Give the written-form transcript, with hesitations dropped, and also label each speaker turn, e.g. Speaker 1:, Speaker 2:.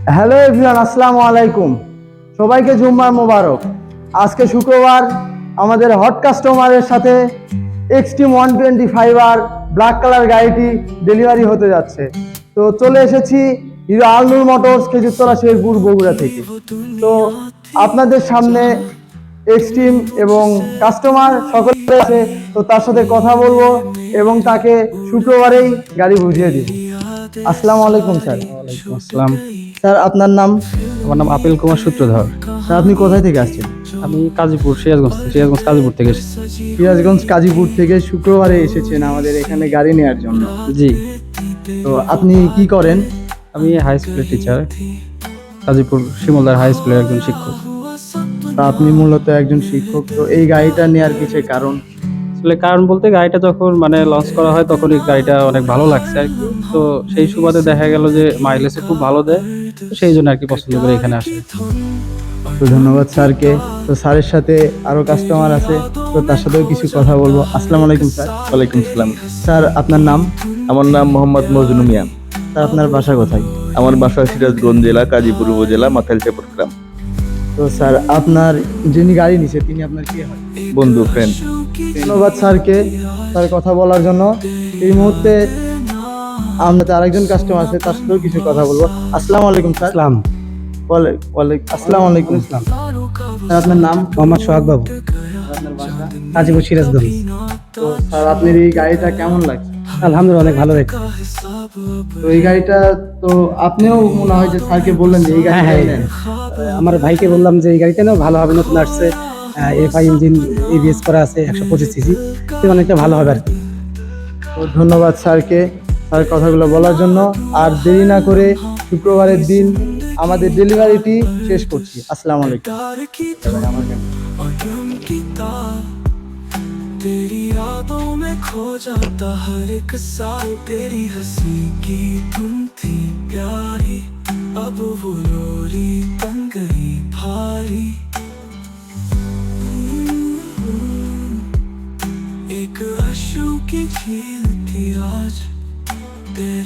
Speaker 1: Hello everyone, আসসালামু আলাইকুম। সবাইকে জুম্মার মোবারক। আজকে শুক্রবার, আমাদের হট কাস্টমারের সাথে এক্সট্রিম 125R ব্ল্যাক কালার গাড়িটি ডেলিভারি হতে যাচ্ছে। তো চলে এসেছি হিরো আলনুর মোটরস, খেজুরতলা, শেরপুর, বগুড়া থেকে। তো আপনাদের সামনে এক্সট্রিম এবং কাস্টমার সকলে আছে, তো তার সাথে কথা বলবো এবং তাকে শুক্রবারেই গাড়ি বুঝিয়ে দিব। আসসালামু আলাইকুম স্যার।
Speaker 2: ওয়ালাইকুম আসসালাম।
Speaker 1: স্যার আপনার নাম?
Speaker 2: আমার নাম আপেল কুমার সূত্রধর।
Speaker 1: স্যার আপনি কোথায় থেকে আসছেন?
Speaker 2: আমি কাজীপুর, সিরাজগঞ্জ কাজীপুর থেকে এসেছি।
Speaker 1: সিরাজগঞ্জ কাজীপুর থেকে শুক্রবারে এসেছেন আমাদের এখানে গাড়ি নেওয়ার জন্য।
Speaker 2: জি,
Speaker 1: তো আপনি কি করেন?
Speaker 2: আমি হাই স্কুলের টিচার, কাজীপুর শিমুলদার হাই স্কুলের একজন শিক্ষক।
Speaker 1: তা আপনি মূলত একজন শিক্ষক, তো এই গাড়িটা নেওয়ার কিছু কারণ?
Speaker 2: আসলে কারণ বলতে, গাড়িটা যখন লঞ্চ করা হয় তখন এই গাড়িটা অনেক ভালো লাগছে আর কি। তো সেই সুবাদে দেখা গেল যে মাইলেজে খুব ভালো দেয়, তো সেই জন্য আর কি পছন্দ করে এখানে আসে।
Speaker 1: তো ধন্যবাদ স্যারকে। তো স্যারের সাথে আরো কাস্টমার আছে, তো তার সাথেও কিছু কথা বলবো। আসসালামু আলাইকুম স্যার।
Speaker 3: ওয়ালাইকুম সালাম।
Speaker 1: স্যার আপনার নাম?
Speaker 3: আমার নাম মোহাম্মদ মজনু মিয়া।
Speaker 1: স্যার আপনার বাসা কোথায়?
Speaker 3: আমার বাসা সিরাজগঞ্জ জেলা, কাজীপুর উপজেলা, মাথাইলচাপড় গ্রাম।
Speaker 1: তো স্যার আপনার যিনি গাড়ি নিছে তিনি আপনার কি হয়?
Speaker 3: বন্ধু, ফ্রেন্ড।
Speaker 1: ধন্যবাদ স্যারকে, তার কথা বলার জন্য। এই মুহূর্তে আমাদের আরেকজন কাস্টমার আছে, তার সাথেও কিছু কথা বলবো। আসসালামু আলাইকুম স্যার।
Speaker 2: আসসালাম।
Speaker 1: আসসালামু আলাইকুম।
Speaker 2: ইসলাম।
Speaker 1: স্যার আপনার নাম?
Speaker 2: মোহাম্মদ সোহাগ বাবু,
Speaker 1: আপনার বাসা?
Speaker 2: কাজীপুর সিরাজগঞ্জ।
Speaker 1: তো স্যার আপনার এই গাড়িটা কেমন লাগছে?
Speaker 2: আলহামদুলিল্লাহ, অনেক ভালো দেখছি।
Speaker 1: তো এই গাড়িটা তো আপনিও মনে হয় যে স্যারকে বললেন যে এই গাড়িটা নেন।
Speaker 2: আমার ভাইকে বললাম যে এই গাড়িটা নাও, ভালো হবে, নতুন আসছে, এফআই ইঞ্জিন, এবিএস করা আছে, 125 সিসি, অনেকটা ভালো হবে আর কি।
Speaker 1: তো ধন্যবাদ স্যারকে, স্যার কথাগুলো বলার জন্য। আর দেরি না করে শুক্রবারের দিন আমাদের ডেলিভারিটি শেষ করছি। আসসালামু আলাইকুম।
Speaker 4: तेरी यादों में खो जाता हर एक साल, तेरी हंसी की धुन थी प्यारी, अब वो लोरी बन गई भारी। एक आंसू की झील थी आज।